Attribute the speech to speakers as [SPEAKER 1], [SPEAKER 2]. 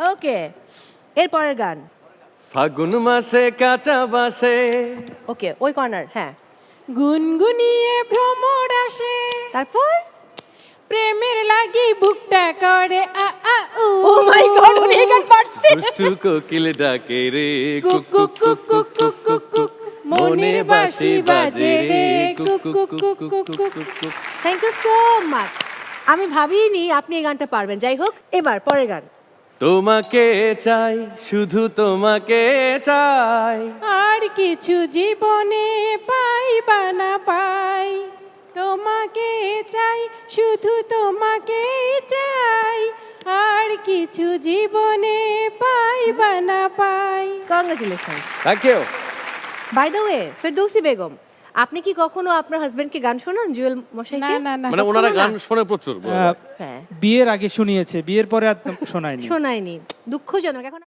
[SPEAKER 1] ওকে, এরপরের গান।
[SPEAKER 2] ফাগুন মাসে কাঁচা বাসে।
[SPEAKER 1] ওকে, ওই কর্নার। হ্যাঁ,
[SPEAKER 3] গুনগুনিয়ে ভ্রমর আসে,
[SPEAKER 1] তারপর
[SPEAKER 3] প্রেমের লাগি বুকটা করে আ আ উ।
[SPEAKER 1] ও মাই গড, উনি এই গান পারছে।
[SPEAKER 2] দুষ্টু কোকিল ডাকে রে
[SPEAKER 3] কুক কুক কুক কুক কুক কুক কুক, মনের বাঁশি বাজে রে কুক কুক কুক কুক কুক কুক।
[SPEAKER 1] Thank you so much. আমি ভাবিনি আপনি এই গানটা পারবেন। যাই হোক, এবার পরের গান।
[SPEAKER 2] তোমাকে চাই, শুধু তোমাকে চাই।
[SPEAKER 3] আর কিছু জীবনে পাই বা না পাই, তোমাকে চাই, শুধু তোমাকে চাই। আর কিছু জীবনে পাই বা না পাই।
[SPEAKER 1] Congratulation.
[SPEAKER 2] Thank you.
[SPEAKER 1] By the way, Ferdousi Begum, আপনি কি কখনো আপনার হাজবেন্ডকে গান শোনান জুয়েল
[SPEAKER 3] না
[SPEAKER 1] মশাইকে?
[SPEAKER 3] না না,
[SPEAKER 2] মানে ওনারা গান শোনে প্রচুর।
[SPEAKER 1] হ্যাঁ,
[SPEAKER 4] বিয়ের আগে শুনিয়েছে, বিয়ের পরে আর শোনায়নি।
[SPEAKER 1] শোনায়নি, দুঃখজনক। এখন